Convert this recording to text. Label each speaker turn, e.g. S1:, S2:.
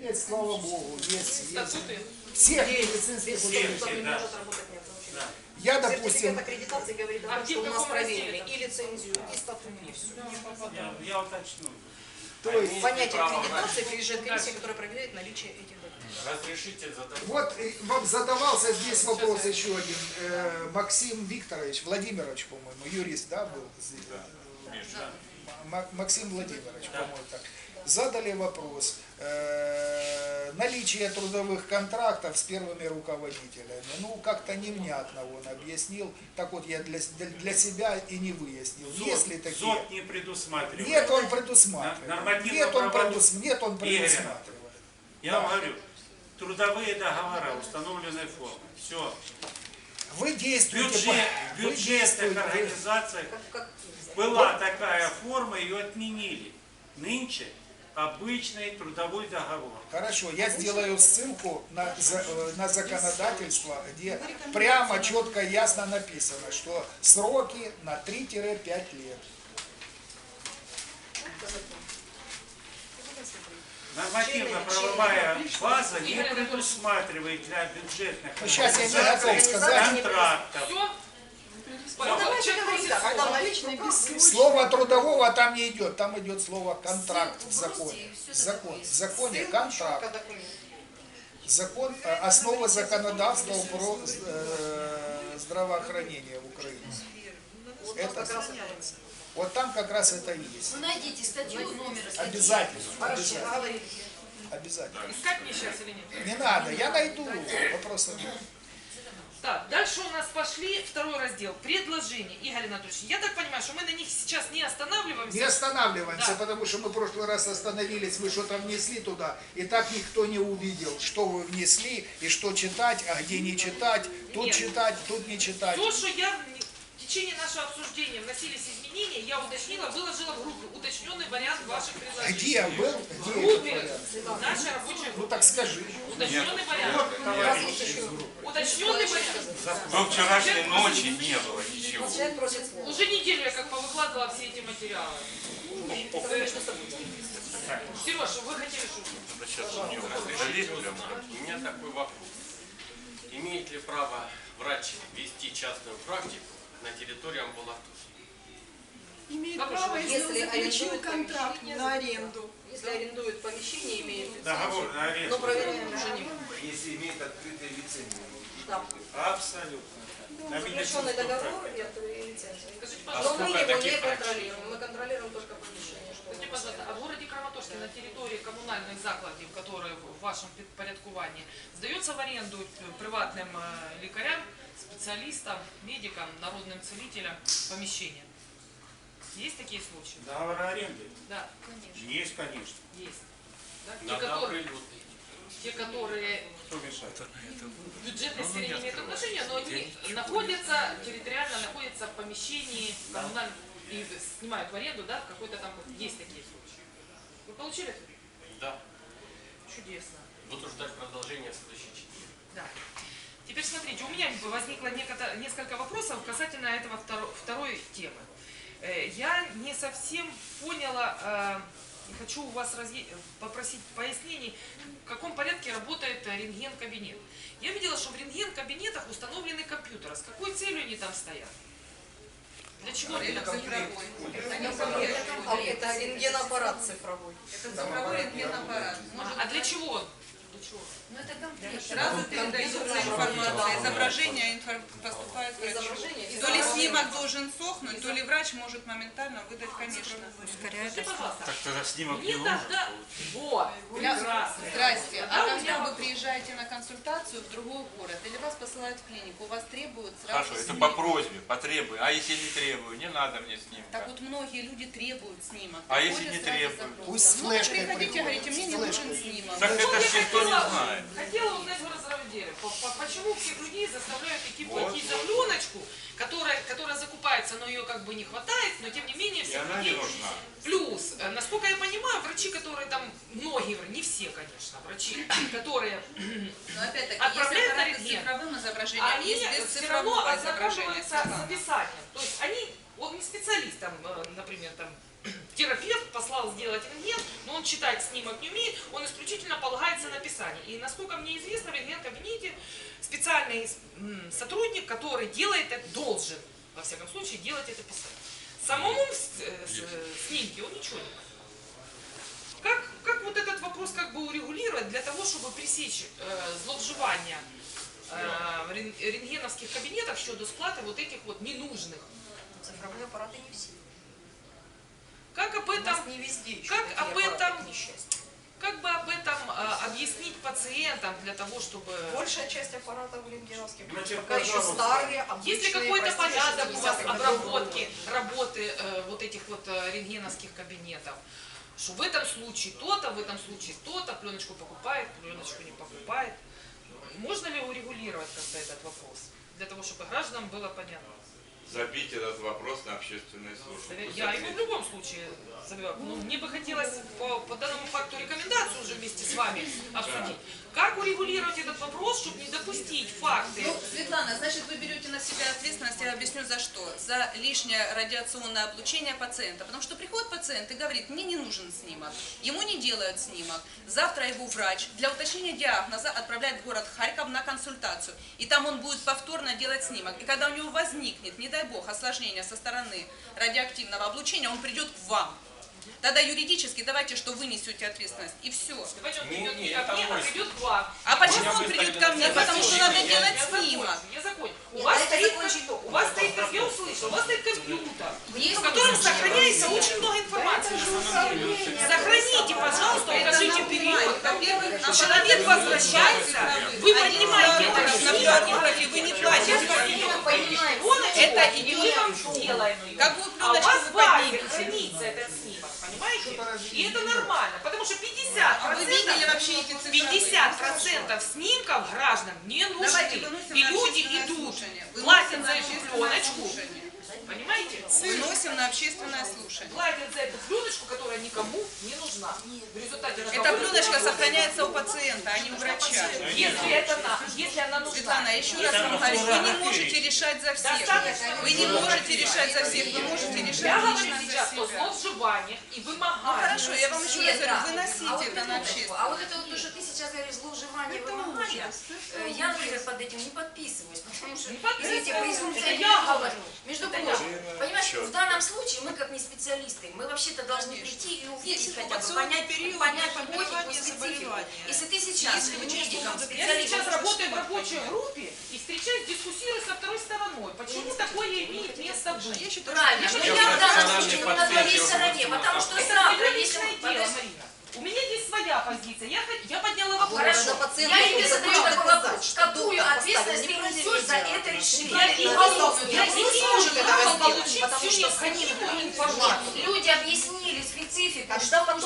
S1: Есть, слава Богу, есть.
S2: Статуты?
S1: Всех медицинских учреждений. Я, допустим...
S3: Сертификат аккредитации говорит о том, что у нас проверили и лицензию, и статут, и все.
S4: Я уточню.
S1: То есть,
S3: понятие аккредитации приезжает комиссия, которая проверяет наличие этих документов.
S4: Разрешите задать?
S1: вот вам задавался здесь вопрос еще один. Максим Викторович, Владимирович, по-моему, юрист, да, был? Максим Владимирович, по-моему, так. Задали вопрос. Наличие трудовых контрактов с первыми руководителями. Ну, как-то невнятно он объяснил. Так вот, я для себя и не выяснил. Есть ли такие?
S4: ЗОТ не предусматривает.
S1: Нет, он предусматривает. Нет, он предусматривает.
S4: Я вам говорю, трудовые договора установленной формы. Все.
S1: Вы действуете...
S4: В бюджетных организациях была такая форма, ее отменили. Нынче обычный трудовой договор.
S1: Хорошо, я сделаю ссылку на законодательство, где прямо, четко, ясно написано, что сроки на 3-5 лет.
S4: Нормативно-правовая база не предусматривает для бюджетных
S1: Сейчас я не готов сказать.
S4: контрактов.
S1: Слово трудового там не идет, там идет слово контракт в законе. В законе контракт. Закон, основа законодавства про здравоохранение в Украине. Это, вот там как раз это и есть.
S5: Вы найдите статью, номер статьи.
S1: Обязательно. Обязательно.
S2: Искать мне сейчас или нет?
S1: Не надо, я найду. Вопросов нет.
S2: Так, дальше у нас пошли второй раздел. Предложения. Игорь Анатольевич, я так понимаю, что мы на них сейчас не останавливаемся.
S1: Не останавливаемся,
S2: Да.
S1: потому что мы в прошлый раз остановились, вы что-то внесли туда, и так никто не увидел, что вы внесли, и что читать, а где не читать, тут
S2: Нет.
S1: читать, тут не читать.
S2: То, что я в течение нашего обсуждения вносились изменения, я уточнила, выложила в группе уточненный вариант ваших предложений.
S1: Где был?
S2: В
S1: Где
S2: группе,
S1: это?
S2: в нашей рабочей
S1: Ну
S2: группе.
S1: так скажи.
S2: Уточненный вариант. Уточненный вариант.
S6: Но вчерашней ночи не было ничего.
S3: Человек просит слова.
S2: Уже неделю я как повыкладывала все эти материалы.
S3: Это, конечно, событие.
S2: Сереж, вы хотели шутку?
S6: Это сейчас у него залезть прямо.
S7: У меня такой вопрос. Имеет ли право врач вести частную практику на территории амбулатории?
S8: Имеет
S2: Вопрос,
S8: право, если
S3: если
S8: он заключил
S3: арендует
S8: контракт
S3: помещение,
S8: на аренду.
S3: Если арендует помещение, имеет
S4: Договор
S3: лицензию,
S4: на аренду.
S3: но проверяем уже не мы.
S9: Если имеет открытые лицензии.
S3: Да.
S4: Абсолютно. На
S3: Заключенный
S4: медицинскую
S3: договор
S4: практику.
S3: и лицензия.
S2: Скажите,
S3: Но
S2: пожалуйста,
S3: мы
S6: сколько
S3: его не
S6: таких врачей?
S3: контролируем. Мы контролируем только помещение. Что
S2: скажите,
S3: у нас
S2: пожалуйста, а в городе Краматорске на территории коммунальных закладів, которые в вашем порядкувании, сдается в аренду приватным лекарям, специалистам, медикам, народным целителям помещения? Есть такие случаи?
S4: Договор аренды?
S2: Да,
S4: Есть, конечно.
S2: есть. Да?
S7: Надо оприлюднить.
S2: Те, которые
S4: Кто мешает?
S2: в бюджетной сфере не имеют отношения, но они находятся, территориально находятся в помещении коммунальном и снимают в аренду, да, какой-то там, есть такие случаи. Вы получили это?
S7: Да.
S2: Чудесно.
S7: Буду ждать продолжения в следующий четверг.
S2: Да. Теперь смотрите, у меня возникло несколько вопросов касательно этого второй темы. Я не совсем поняла, и хочу у вас попросить пояснений, в каком порядке работает рентген-кабинет. Я видела, что в рентген-кабинетах установлены компьютеры. С какой целью они там стоят? Для чего они там стоят?
S3: Это рентгенаппарат цифровой.
S8: Это цифровой рентгенаппарат.
S2: А для чего он? Для чего?
S5: Ну это комплект.
S8: Сразу передается информация, изображение поступает врачу.
S3: Изображение.
S8: То ли снимок должен сохнуть, то ли врач может моментально выдать, конечно.
S2: Скажите, пожалуйста.
S6: Так тогда снимок не
S2: Мне
S6: нужен.
S2: тогда... Вот, прекрасно.
S8: Здрасте.
S2: Да,
S8: А
S2: у
S8: когда
S2: меня
S8: вы приезжаете на консультацию в другой город или вас посылают в клинику, у вас требуют сразу
S6: Хорошо, это
S8: снимок.
S6: по просьбе, по требованию. А если не требую, не надо мне снимка.
S8: Так вот многие люди требуют снимок.
S6: А если
S8: Приходят
S6: не
S8: сразу
S6: требуют?
S8: запрос.
S1: Пусть с
S8: Ну,
S1: флешкой
S8: приходите,
S1: приходят,
S8: говорите, мне
S1: с
S8: не
S1: флешкой.
S8: нужен снимок.
S6: Так это
S2: Вот
S6: ж
S2: я
S6: никто не знает.
S2: хотела узнать в разраделе, почему всех людей заставляют идти
S6: Вот,
S2: платить за пленочку, которая закупается, но ее как бы не хватает, но тем не менее
S6: И
S2: всех
S6: она не
S2: людей.
S6: нужна.
S2: Плюс, насколько я понимаю, врачи, которые там, многие, не все, конечно, врачи, которые
S8: Но опять-таки,
S2: отправляют
S8: есть
S2: на
S8: аппараты с
S2: рентген,
S8: цифровым изображением,
S2: они
S8: есть без
S2: все равно
S8: цифрового изображения.
S2: ознакомиваются с описанием. То есть он не специалист, там, например, терапевт послал сделать рентген, но он читать снимок не умеет, он исключительно полагается И насколько мне известно, в рентген-кабинете специальный сотрудник, который делает это, должен, во всяком случае, делать это писать. Самому снимке он ничего не может. Как вот этот вопрос как бы урегулировать для того, чтобы пресечь зловживания в рентгеновских кабинетах щодо сплаты вот этих вот ненужных?
S3: Цифровые аппараты не все.
S2: Как об этом,
S3: не везде еще
S2: как
S3: такие
S2: об
S3: аппараты,
S2: этом,
S3: к несчастью.
S2: как бы об этом объяснить пациентам для того, чтобы...
S3: Большая часть аппаратов рентгеновских
S4: Значит,
S3: пока еще
S4: пожалуйста.
S3: старые, обычные.
S2: Есть ли какой-то
S3: простейшие,
S2: порядок у вас
S3: 60-х
S2: обработки,
S3: годов.
S2: работы вот этих вот рентгеновских кабинетов? Что в этом случае то-то, в этом случае то-то, пленочку покупает, пленочку не покупает. Можно ли урегулировать как-то этот вопрос? Для того, чтобы гражданам было понятно.
S6: Забить этот вопрос на общественные службы.
S2: Я его в любом случае забиваю. Но мне бы хотелось по данному факту рекомендацию уже вместе с вами обсудить. Как урегулировать этот вопрос, чтобы не допустить факты?
S8: Ну, Светлана, значит, вы берете на себя ответственность, я объясню за что. За лишнее радиационное облучение пациента. Потому что приходит пациент и говорит, мне не нужен снимок. Ему не делают снимок. Завтра его врач для уточнения диагноза отправляет в город Харьков на консультацию. И там он будет повторно делать снимок. И когда у него возникнет, не дай бог, осложнение со стороны радиоактивного облучения, он придет к вам. Тогда юридически давайте, что вы несете ответственность. И все.
S2: Давайте он
S7: Не,
S2: придет
S7: не,
S2: не ко
S7: это
S2: мне, а
S7: мой
S2: придет к вам.
S8: А почему
S7: меня
S8: он
S7: выставили
S8: придет ко мне?
S7: на
S8: Потому что надо делать снимок.
S2: Я закончу. У
S3: Нет,
S2: вас
S3: это
S2: стоит,
S3: закончить только.
S2: у вас стоит, как я услышала, у вас стоит компьютер,
S8: Есть
S2: в котором сохраняется очень много информации. Сохраните, пожалуйста, укажите период.
S8: Во-первых,
S2: Человек возвращается, вы поднимаете это
S8: на
S2: снимок,
S8: фотографии вы не платите.
S2: это и мы вам сделаем ее.
S8: Какую
S2: А у
S8: пленочку
S2: вас
S8: вы
S2: в базе
S8: поднимете?
S2: хранится этот снимок, понимаете? И это нормально, потому что 50%,
S8: А вы видели вообще эти цифры?
S2: 50% снимков граждан не
S8: Давайте
S2: нужны.
S8: выносим
S2: И
S8: на
S2: люди
S8: общественное
S2: идут,
S8: слушание.
S2: платят
S8: Выносим
S2: за
S8: на
S2: эту
S8: общественное
S2: пленочку,
S8: слушание.
S2: понимаете?
S8: Выносим на общественное слушание.
S2: Платят за эту пленочку, которая никому не нужна. В результате
S8: Эта
S2: разговора-
S8: пленочка сохраняется у пациента, а не у врача.
S2: Если она нужна.
S8: Светлана, еще раз вам говорю, вы не можете решать за всех. Вы не можете решать за всех, вы можете
S2: Я
S8: решать
S2: говорю
S8: лично
S2: сейчас
S8: за
S2: о
S8: себя.
S2: зловживаниях и
S8: Ну
S2: вымоганиях.
S8: хорошо, я вам еще раз говорю, выносите
S5: А вот
S8: это на общественное.
S5: А вот это вот то, что ты сейчас говоришь, злоуживание, вымогание, я, например, под этим не подписываюсь, потому что, извините, презумпция
S2: Это я говорю.
S5: Между прочим, понимаешь, в данном случае мы как не специалисты, мы вообще-то должны прийти и увидеть хотя бы, понять логику и специфику. Если ты сейчас медиком,
S2: Я
S5: специалистом,
S2: сейчас работаю в рабочей группе и встречаюсь, дискуссирую со второй стороной. Почему такое имеет место быть?
S5: правильно, но я в данном случае на твоей стороне, потому что
S2: Это
S5: завтра,
S2: твое
S5: если
S2: личное
S5: мы...
S2: дело, Марина. У меня есть своя позиция. Я подняла вопрос.
S5: Хорошо, я тебе задаю такой вопрос. Какую ответственность ты несешь за это решение?
S2: Я не вижу права получить всю необходимую информацию.
S5: Люди объяснили специфику, что